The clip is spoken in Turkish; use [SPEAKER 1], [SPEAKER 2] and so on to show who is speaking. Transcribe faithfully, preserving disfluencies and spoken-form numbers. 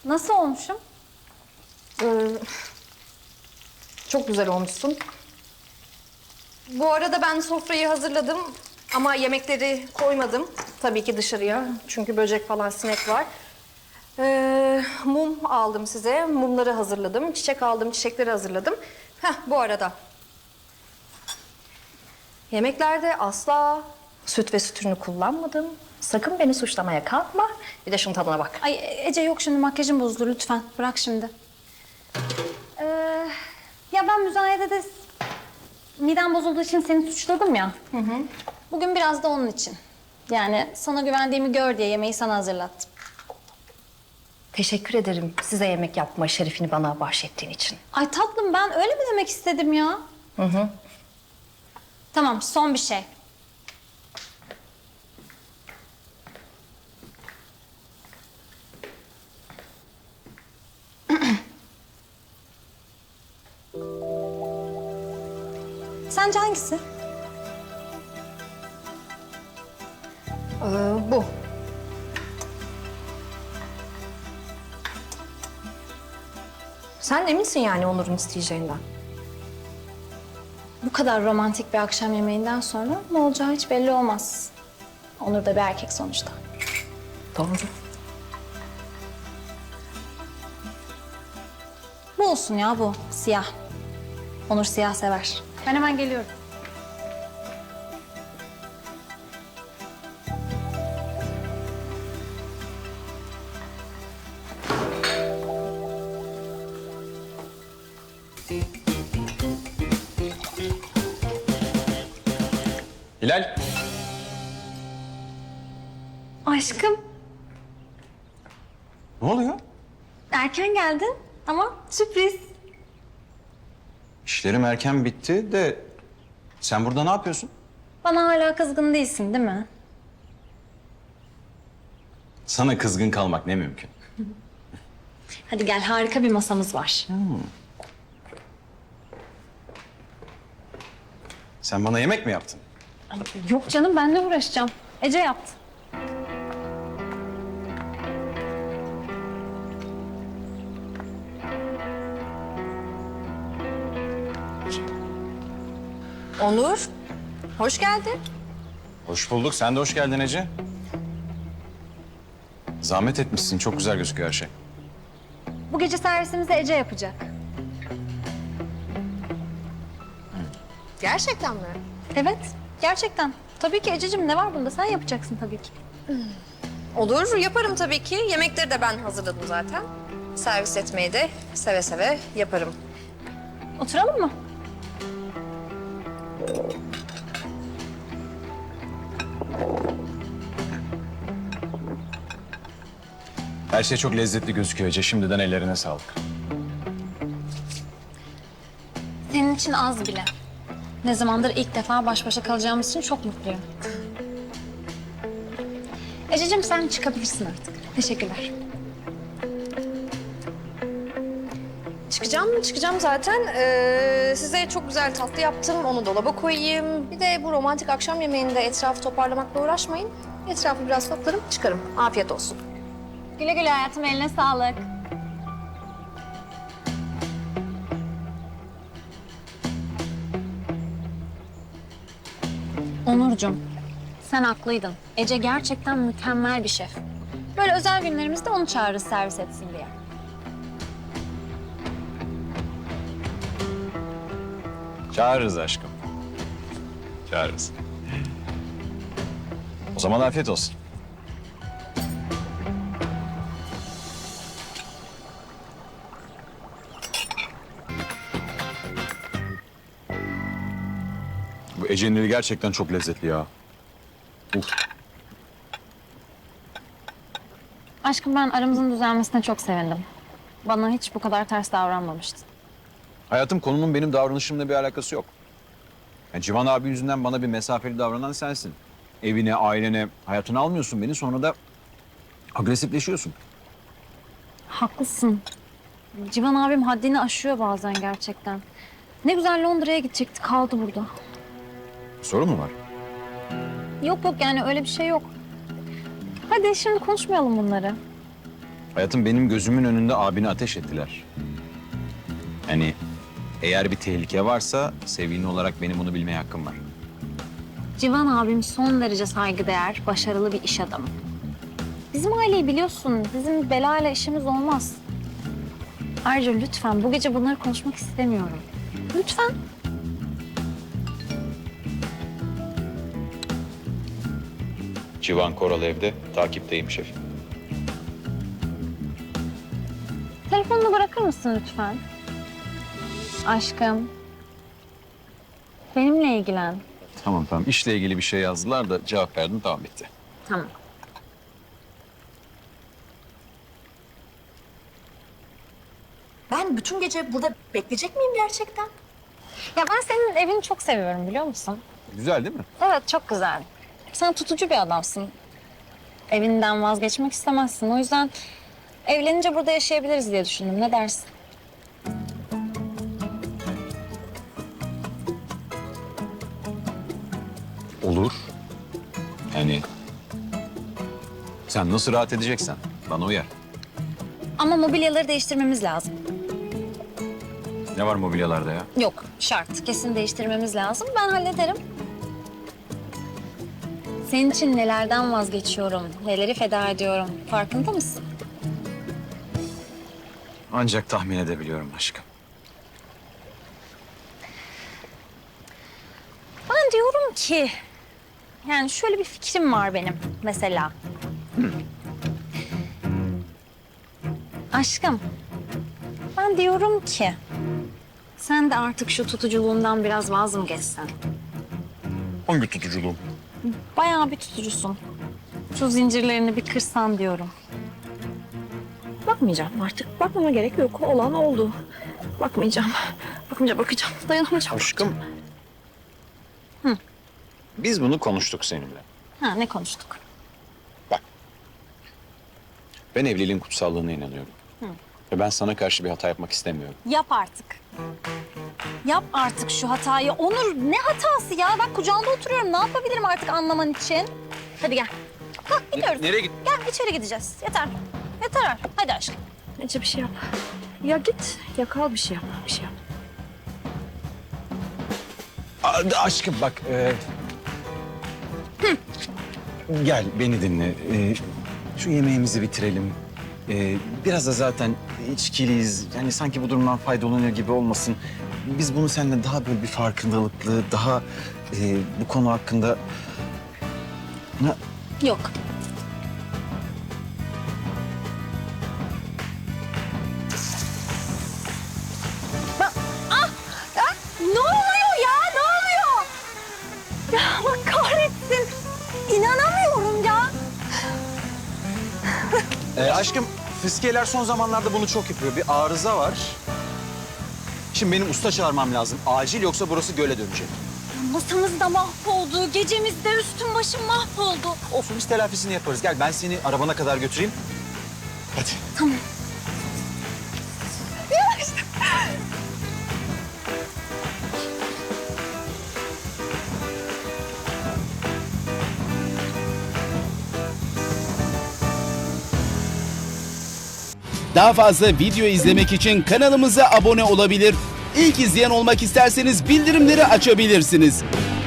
[SPEAKER 1] Nasıl olmuşum?
[SPEAKER 2] Ee, çok güzel olmuşsun. Bu arada ben sofrayı hazırladım ama yemekleri koymadım. Tabii ki dışarıya çünkü böcek falan sinek var. Ee, mum aldım size, mumları hazırladım. Çiçek aldım, çiçekleri hazırladım. Heh, bu arada. Yemeklerde asla süt ve süt ürünü kullanmadım. Sakın beni suçlamaya kalkma. Bir de şunun tadına bak.
[SPEAKER 1] Ay Ece yok şimdi makyajım bozuldu lütfen. Bırak şimdi. Ee, ya ben müzayedede midem bozulduğu için seni suçladım ya. Hı hı. Bugün biraz da onun için. Yani sana güvendiğimi gör diye yemeği sana hazırlattım.
[SPEAKER 2] Teşekkür ederim size yemek yapma şerefini bana bahşettiğin için.
[SPEAKER 1] Ay tatlım ben öyle mi demek istedim ya?
[SPEAKER 2] Hı hı.
[SPEAKER 1] Tamam son bir şey. Sence hangisi?
[SPEAKER 2] Ee, bu. Sen eminsin yani Onur'un isteyeceğinden.
[SPEAKER 1] Bu kadar romantik bir akşam yemeğinden sonra ne olacağı hiç belli olmaz. Onur da bir erkek sonuçta.
[SPEAKER 2] Doğru.
[SPEAKER 1] Bu olsun ya bu, siyah. Onur siyah sever. Ben hemen geliyorum.
[SPEAKER 3] Hilal.
[SPEAKER 1] Aşkım,
[SPEAKER 3] Ne oluyor?
[SPEAKER 1] erken geldin ama sürpriz.
[SPEAKER 3] İşlerim erken bitti de sen burada ne yapıyorsun?
[SPEAKER 1] Bana hala kızgın değilsin değil mi?
[SPEAKER 3] Sana kızgın kalmak ne mümkün.
[SPEAKER 1] Hadi gel, harika bir masamız var.
[SPEAKER 3] Sen bana yemek mi yaptın?
[SPEAKER 1] Ay, yok canım, ben de uğraşacağım. Ece yaptı.
[SPEAKER 2] Onur, hoş geldin.
[SPEAKER 3] Hoş bulduk. Sen de hoş geldin Ece. Zahmet etmişsin. Çok güzel gözüküyor her şey.
[SPEAKER 1] Bu gece servisimizi Ece yapacak.
[SPEAKER 2] Gerçekten mi?
[SPEAKER 1] Evet, gerçekten. Tabii ki Ececiğim, ne var bunda? Sen yapacaksın tabii ki.
[SPEAKER 2] Olur, yaparım tabii ki. Yemekleri de ben hazırladım zaten. Servis etmeyi de seve seve yaparım.
[SPEAKER 1] Oturalım mı?
[SPEAKER 3] Her şey çok lezzetli gözüküyor Ece. Şimdiden ellerine sağlık.
[SPEAKER 1] Senin için az bile. Ne zamandır ilk defa baş başa kalacağımız için çok mutluyum. Ececiğim sen çıkabilirsin artık. Teşekkürler.
[SPEAKER 2] Çıkacağım, çıkacağım zaten. Ee, size çok güzel tatlı yaptım. Onu dolaba koyayım. Bir de bu romantik akşam yemeğinde etrafı toparlamakla uğraşmayın. Etrafı biraz toplarım, çıkarım. Afiyet olsun.
[SPEAKER 1] Güle güle hayatım, eline sağlık. Onurcuğum, sen haklıydın. Ece gerçekten mükemmel bir şef. Böyle özel günlerimizde onu çağırırız servis etsin diye.
[SPEAKER 3] Çağırırız aşkım. Çağırırız. O zaman afiyet olsun. Bu Ece'nin eli gerçekten çok lezzetli ya. Uf.
[SPEAKER 1] Aşkım ben aramızın düzelmesine çok sevindim. Bana hiç bu kadar ters davranmamıştın.
[SPEAKER 3] Hayatım, konunun benim davranışımla bir alakası yok. Yani Civan abi yüzünden bana bir mesafeli davranan sensin. Evine, ailene, hayatını almıyorsun beni, sonra da agresifleşiyorsun.
[SPEAKER 1] Haklısın. Civan abim haddini aşıyor bazen gerçekten. Ne güzel Londra'ya gidecekti, kaldı burada.
[SPEAKER 3] Sorun mu var?
[SPEAKER 1] Yok yok yani öyle bir şey yok. Hadi şimdi konuşmayalım bunları.
[SPEAKER 3] Hayatım, benim gözümün önünde abini ateş ettiler. Yani eğer bir tehlike varsa sevgilin olarak benim bunu bilmeye hakkım var.
[SPEAKER 1] Civan abim son derece saygıdeğer, başarılı bir iş adamı. Bizim aileyi biliyorsun, bizim belayla işimiz olmaz. Ayrıca lütfen bu gece bunları konuşmak istemiyorum. Lütfen.
[SPEAKER 3] Civan Koral evde, takipteyim şefim.
[SPEAKER 1] Telefonunu bırakır mısın lütfen? Aşkım. Benimle ilgilen.
[SPEAKER 3] Tamam tamam, işle ilgili bir şey yazdılar da cevap verdim, tamam bitti.
[SPEAKER 1] Tamam.
[SPEAKER 2] Ben bütün gece burada bekleyecek miyim gerçekten?
[SPEAKER 1] Ya ben senin evini çok seviyorum biliyor musun?
[SPEAKER 3] Güzel değil mi?
[SPEAKER 1] Evet, çok güzel. Sen tutucu bir adamsın. Evinden vazgeçmek istemezsin. O yüzden evlenince burada yaşayabiliriz diye düşündüm. Ne dersin?
[SPEAKER 3] Olur. Yani sen nasıl rahat edeceksen bana uyar.
[SPEAKER 1] Ama mobilyaları değiştirmemiz lazım.
[SPEAKER 3] Ne var mobilyalarda ya?
[SPEAKER 1] Yok, şart. Kesin değiştirmemiz lazım. Ben hallederim. Senin için nelerden vazgeçiyorum, neleri feda ediyorum. Farkında mısın?
[SPEAKER 3] Ancak tahmin edebiliyorum aşkım.
[SPEAKER 1] Ben diyorum ki... Yani şöyle bir fikrim var benim mesela. Aşkım, ben diyorum ki... Sen de artık şu tutuculuğundan biraz vaz mı geçsen?
[SPEAKER 3] Hangi tutuculuğum?
[SPEAKER 1] Bayağı bir tutucusun. Şu zincirlerini bir kırsan diyorum.
[SPEAKER 2] Bakmayacağım artık. Bakmama gerek yok. Olan oldu. Bakmayacağım. Bakmayacağım, bakacağım. Dayanamayacağım.
[SPEAKER 3] Aşkım.
[SPEAKER 1] Hı.
[SPEAKER 3] Biz bunu konuştuk seninle.
[SPEAKER 1] Ha, ne konuştuk?
[SPEAKER 3] Ben evliliğin kutsallığına inanıyorum.
[SPEAKER 1] Hı.
[SPEAKER 3] Ve ben sana karşı bir hata yapmak istemiyorum.
[SPEAKER 1] Yap artık. Yap artık şu hatayı. Onur, ne hatası ya? Bak kucağında oturuyorum. Ne yapabilirim artık anlaman için? Hadi gel. Kalk gidiyoruz.
[SPEAKER 3] Nereye git?
[SPEAKER 1] Gel içeri gideceğiz. Yeter. Yeter artık. Hadi aşkım.
[SPEAKER 2] Ece bir şey yap. Ya git. Ya kal bir şey yap. Bir şey yap.
[SPEAKER 3] Aa, aşkım bak. E... Gel beni dinle. E, şu yemeğimizi bitirelim. E, biraz da zaten içkiliyiz. Yani sanki bu durumdan faydalanıyor gibi olmasın. Biz bunu seninle daha böyle bir farkındalıklı, daha e, bu konu hakkında... Ha,
[SPEAKER 1] Yok. Ben... Ah! Ah! Ne oluyor ya? Ne oluyor? Ya Allah kahretsin. İnanamıyorum ya.
[SPEAKER 3] E, aşkım, fiskiyeler son zamanlarda bunu çok yapıyor. Bir arıza var. Şimdi benim usta çağırmam lazım. Acil, yoksa burası göle dönecek.
[SPEAKER 1] Masamız da mahvoldu. Gecemiz de üstüm başım mahvoldu.
[SPEAKER 3] Olsun, biz telafisini yaparız. Gel ben seni arabana kadar götüreyim. Hadi.
[SPEAKER 1] Tamam.
[SPEAKER 4] Daha fazla video izlemek için kanalımıza abone olabilir. İlk izleyen olmak isterseniz bildirimleri açabilirsiniz.